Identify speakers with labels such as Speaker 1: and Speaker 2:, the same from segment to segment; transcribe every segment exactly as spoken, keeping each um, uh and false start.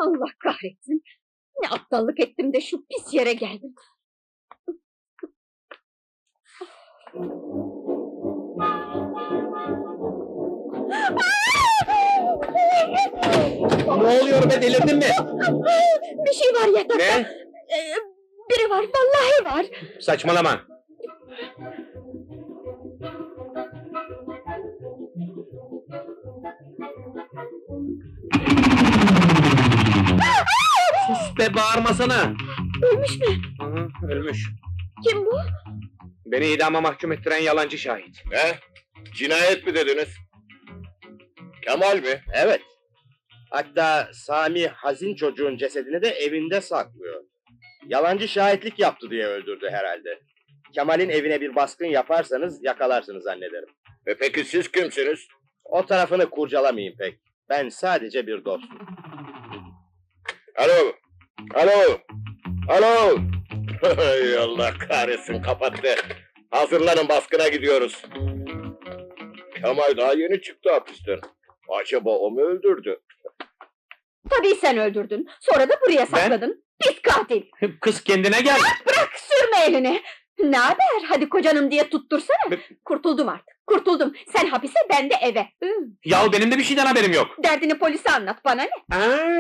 Speaker 1: Allah kahretsin! Ne aptallık ettim de şu pis yere geldim!
Speaker 2: Ne oluyor be, delirdin mi?
Speaker 1: Bir şey var yatakta!
Speaker 2: Ne?
Speaker 1: Ee, biri var, vallahi var!
Speaker 2: Saçmalama! Sus be, bağırmasana!
Speaker 1: Ölmüş mü?
Speaker 2: Hı, ölmüş.
Speaker 1: Kim bu?
Speaker 2: Beni idama mahkum ettiren yalancı şahit.
Speaker 3: Ne? Cinayet mi dediniz? Kemal mi?
Speaker 4: Evet. Hatta Sami hazin çocuğun cesedini de evinde saklıyor. Yalancı şahitlik yaptı diye öldürdü herhalde. Kemal'in evine bir baskın yaparsanız yakalarsınız zannederim.
Speaker 3: E peki siz kimsiniz?
Speaker 4: O tarafını kurcalamayın pek. Ben sadece bir dostum.
Speaker 3: Alo! Alo! Alo! Hay Allah kahretsin, kapattı. Hazırlanın, baskına gidiyoruz. Kemal daha yeni çıktı hapisten. Acaba o mu öldürdü?
Speaker 1: Tabii sen öldürdün. Sonra da buraya sakladın. Pis katil!
Speaker 2: Kız kendine gel!
Speaker 1: Bırak, sürme elini! Ne haber? Hadi kocanım diye tuttursana! Kurtuldum artık, kurtuldum! Sen hapise, ben de eve! Hı.
Speaker 2: Yahu benim de bir şeyden haberim yok!
Speaker 1: Derdini polise anlat, bana ne?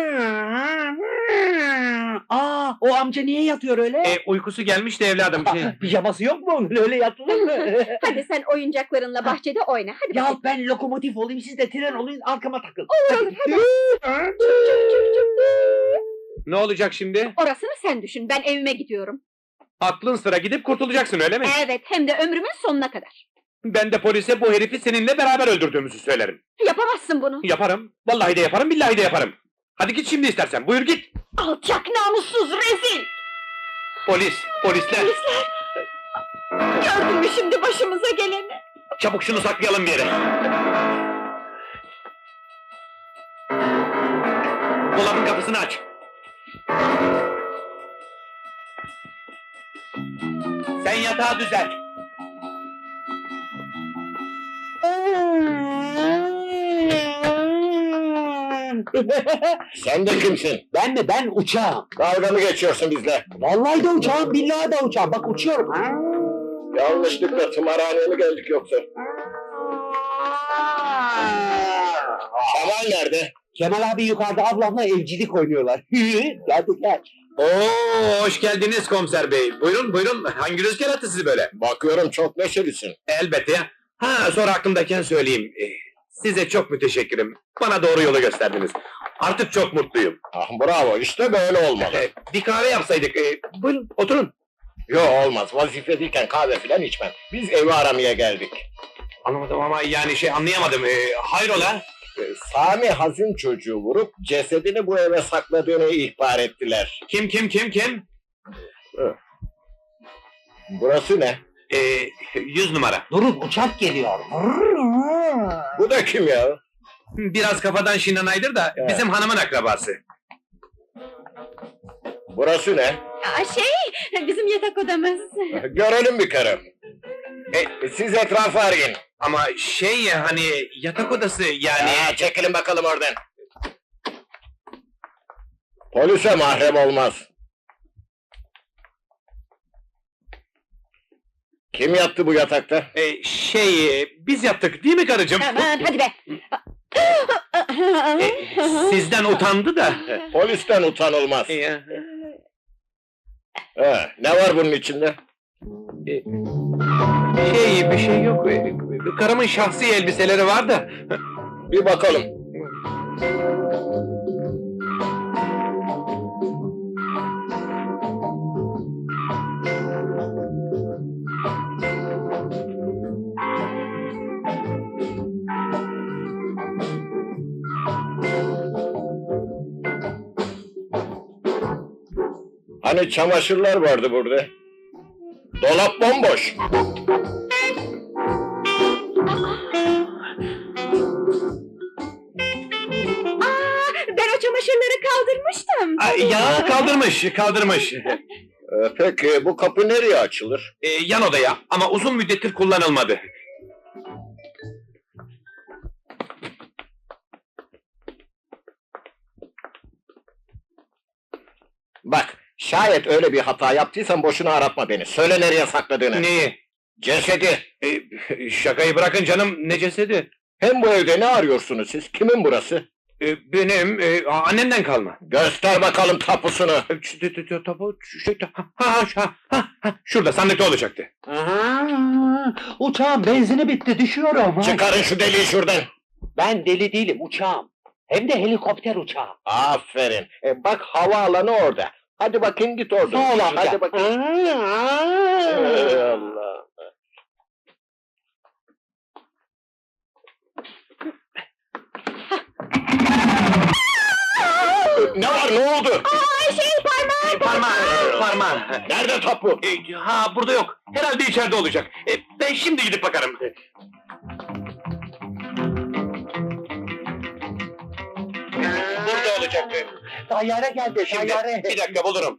Speaker 5: Aa, o amca niye yatıyor öyle?
Speaker 2: E, uykusu gelmiş de evladım. Şey...
Speaker 5: Pijaması yok mu? Öyle yatılır mı?
Speaker 1: Hadi sen oyuncaklarınla bahçede oyna, hadi
Speaker 5: Ya
Speaker 1: bakayım.
Speaker 5: ben lokomotif olayım, siz de tren olun, arkama takıl.
Speaker 1: Olur olur, hadi! Çık çık çık çık!
Speaker 2: Ne olacak şimdi?
Speaker 1: Orasını sen düşün, ben evime gidiyorum.
Speaker 2: Aklın sıra gidip kurtulacaksın, öyle mi?
Speaker 1: Evet, hem de ömrümün sonuna kadar.
Speaker 2: Ben de polise bu herifi seninle beraber öldürdüğümüzü söylerim.
Speaker 1: Yapamazsın bunu!
Speaker 2: Yaparım. Vallahi de yaparım, billahi de yaparım. Hadi git şimdi istersen, buyur git!
Speaker 1: Alçak, namussuz, rezil!
Speaker 2: Polis, polisler!
Speaker 1: Polisler! Gördün mü şimdi başımıza geleni?
Speaker 2: Çabuk şunu saklayalım bir yere! Dolabın kapısını aç! Sen yatağı düzelt!
Speaker 3: Sen de kimsin?
Speaker 5: Ben mi? Ben uçağım.
Speaker 3: Dalga mı geçiyorsun bizle?
Speaker 5: Vallahi de uçağım, billahi de uçağım. Bak uçuyorum.
Speaker 3: Yanlışlıkla tımarhaneye mi geldik yoksa? Kemal nerede?
Speaker 5: Kemal abi yukarıda ablamla evcilik oynuyorlar. Geldik.
Speaker 2: Oo, hoş geldiniz komiser bey. Buyurun, buyurun. Hangi rüzgar attı sizi böyle?
Speaker 3: Bakıyorum çok neşelisin.
Speaker 2: Elbette ya. Ha, sonra aklımdayken söyleyeyim. Eh, Size çok müteşekkirim. Bana doğru yolu gösterdiniz. Artık çok mutluyum.
Speaker 3: Ah bravo, işte böyle olmalı.
Speaker 2: Eh, Bir kahve yapsaydık. Eh, Buyurun, oturun.
Speaker 3: Yo olmaz, vazifedeyken kahve filan içmem. Biz evi aramaya geldik.
Speaker 2: Anlamadım ama yani şey anlayamadım. Eh, Hayrola?
Speaker 3: Ee, Sami hazin çocuğu vurup cesedini bu eve sakladığını ihbar ettiler.
Speaker 2: Kim, kim, kim, kim?
Speaker 3: Burası ne?
Speaker 2: Eh, Yüz numara.
Speaker 5: Durun, uçak geliyor.
Speaker 3: Bu da kim ya?
Speaker 2: Biraz kafadan şinanaydır da
Speaker 3: Evet.
Speaker 2: bizim hanımın akrabası.
Speaker 3: Burası ne?
Speaker 1: Aa, şey, bizim yatak odamız.
Speaker 3: Görelim bir kere. E, siz etrafı arayın.
Speaker 2: Ama şey ya hani yatak odası yani...
Speaker 3: Ya, çekilin bakalım oradan. Polise mahrem olmaz. Kim yattı bu yatakta?
Speaker 2: Eh, şey, biz yaptık değil mi karıcığım?
Speaker 1: Aman hadi be!
Speaker 2: Eh, Sizden utandı da.
Speaker 3: Polisten utanılmaz.
Speaker 2: Eh,
Speaker 3: He, ne var bunun içinde?
Speaker 2: Şey, bir şey yok. Eh, Karımın şahsi elbiseleri var da.
Speaker 3: Bir bakalım. Hani çamaşırlar vardı burada? Dolap bomboş.
Speaker 1: Aa, ben o çamaşırları kaldırmıştım.
Speaker 2: Ay, ya kaldırmış, kaldırmış.
Speaker 3: Ee, peki bu kapı nereye açılır?
Speaker 2: Eh, yan odaya ama uzun müddettir kullanılmadı.
Speaker 3: Bak, şayet öyle bir hata yaptıysan boşuna aratma beni. Söyle nereye sakladığını.
Speaker 2: Neyi?
Speaker 3: Cesedi.
Speaker 2: E, şakayı bırakın canım, ne cesedi?
Speaker 3: Hem bu evde ne arıyorsunuz siz? Kimin burası?
Speaker 2: E, benim, e, annemden kalma.
Speaker 3: Göster bakalım tapusunu.
Speaker 2: E, şu- şu- şu- şu- tapu- şu- şu- ha, ha, ha, ha, ha, şurada sandıkta olacaktı.
Speaker 5: Aha, uçağın benzini bitti, düşüyorum.
Speaker 3: Çıkarın şu deliği şuradan.
Speaker 5: Ben deli değilim, uçağım. Hem de helikopter uçağı.
Speaker 3: Aferin. E, bak havaalanı orada. Hadi bakayım git orada.
Speaker 5: Sağ ol amca.
Speaker 3: Hadi bakayım. Ey Allah. Ne var, ne oldu?
Speaker 1: Aa, şey parmağım.
Speaker 2: Parmağı, parmağı.
Speaker 3: Nerede tapu?
Speaker 2: E, ha, burada yok. Herhalde içeride olacak. E, ben şimdi gidip bakarım. Burada olacaktı.
Speaker 5: Tayyare geldi,
Speaker 2: Şimdi,
Speaker 5: tayyare.
Speaker 2: bir dakika bulurum.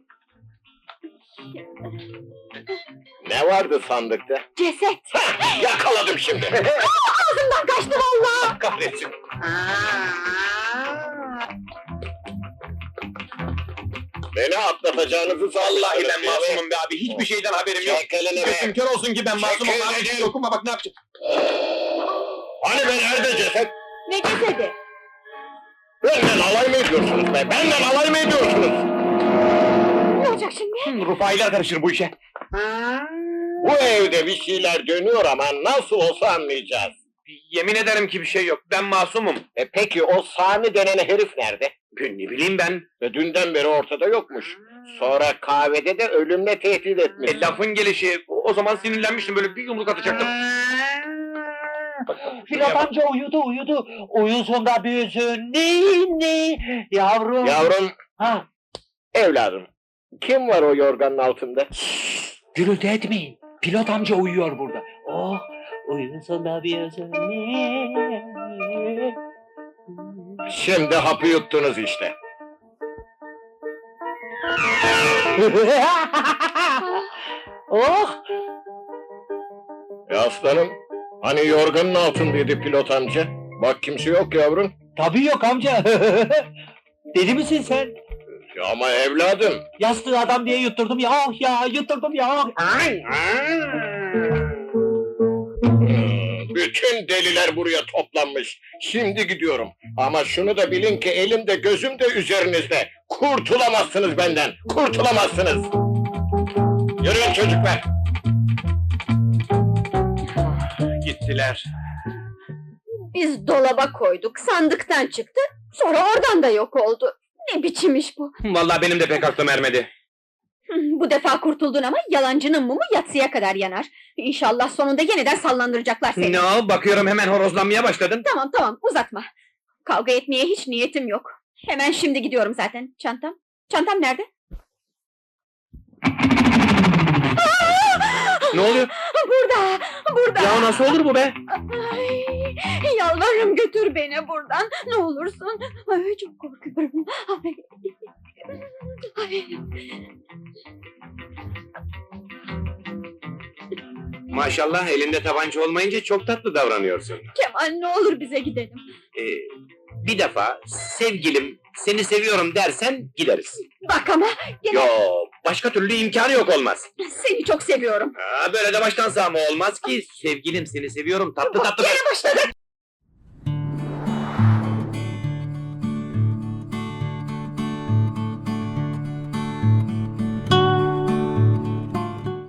Speaker 3: Ne vardı sandıkta?
Speaker 1: Ceset.
Speaker 3: Hah, yakaladım şimdi.
Speaker 1: Ağzımdan kaçtı vallahi.
Speaker 2: Kahretsin.
Speaker 3: Beni atlatacağınızı
Speaker 2: Vallahi
Speaker 3: sanmışsınız,
Speaker 2: ben
Speaker 3: değil mi?
Speaker 2: masumum be abi. Hiçbir şeyden haberim yok.
Speaker 3: Çek elini be.
Speaker 2: Gözüm kör olsun ki ben masumum
Speaker 3: Çek
Speaker 2: abi.
Speaker 3: elini.
Speaker 2: Dokuma bak ne yapacağım.
Speaker 3: Hani ben nerede ceset?
Speaker 1: Ne cesedi?
Speaker 3: Benden alay mı ediyorsunuz be? Benden alay mı ediyorsunuz?
Speaker 1: Ne olacak şimdi?
Speaker 2: Rufailer karışır bu işe.
Speaker 3: Bu evde bir şeyler dönüyor ama nasıl olsa anlayacağız.
Speaker 2: Yemin ederim ki bir şey yok. Ben masumum.
Speaker 3: E peki o Sami denen herif nerede?
Speaker 2: Ne bileyim ben.
Speaker 3: Ve dünden beri ortada yokmuş. Sonra kahvede de ölümle tehdit etmiş.
Speaker 2: E, lafın gelişi. O o zaman sinirlenmiştim, böyle bir yumruk atacaktım.
Speaker 5: Pilot amca uyudu, uyudu. Uyusun da büyüsün. Ninni. Yavrum.
Speaker 3: Yavrum,
Speaker 5: Ha,
Speaker 3: evladım. Kim var o yorganın altında?
Speaker 5: gürültü etmeyin. Pilot amca uyuyor burada. Oh, uyusun da büyüsün. Ninni.
Speaker 3: Şimdi hapı yuttunuz işte.
Speaker 5: Oh,
Speaker 3: E aslanım, hani yorganın altındaydı pilot amca? Bak kimse yok yavrum.
Speaker 5: tabii yok amca. Deli misin sen?
Speaker 3: Ya ama evladım.
Speaker 5: Yastığı adam diye yutturdum ya, oh ya, yutturdum ya.
Speaker 3: Hmm, bütün deliler buraya toplanmış. Şimdi gidiyorum. Ama şunu da bilin ki elim de gözüm de üzerinizde. Kurtulamazsınız benden. Kurtulamazsınız. Yürüyün çocuklar.
Speaker 2: Gittiler.
Speaker 1: Biz dolaba koyduk, sandıktan çıktı, sonra oradan da yok oldu. Ne biçim iş bu?
Speaker 2: Vallahi benim de pek aklım ermedi.
Speaker 1: Hı, Bu defa kurtuldun ama yalancının mumu yatsıya kadar yanar. İnşallah sonunda yeniden sallandıracaklar seni.
Speaker 2: Ne o? Bakıyorum hemen horozlanmaya başladın.
Speaker 1: Tamam tamam, uzatma. Kavga etmeye hiç niyetim yok. Hemen şimdi gidiyorum zaten. Çantam? Çantam nerede?
Speaker 2: Ne oluyor?
Speaker 1: Burada, burada.
Speaker 2: Ya nasıl olur bu be?
Speaker 1: Ay, yalvarırım götür beni buradan. Ne olursun. Ay, çok korkuyorum. Ay. Ay.
Speaker 2: Maşallah elinde tabanca olmayınca çok tatlı davranıyorsun.
Speaker 1: Kemal, ne olur bize gidelim.
Speaker 2: Ee, bir defa sevgilim seni seviyorum dersen gideriz.
Speaker 1: Bak ama gene
Speaker 2: Yo, başka türlü imkanı yok, olmaz.
Speaker 1: seni çok seviyorum.
Speaker 2: Aa, böyle de baştan sağma olmaz ki. Sevgilim seni seviyorum tatlı tatlı.
Speaker 1: Gene başladık.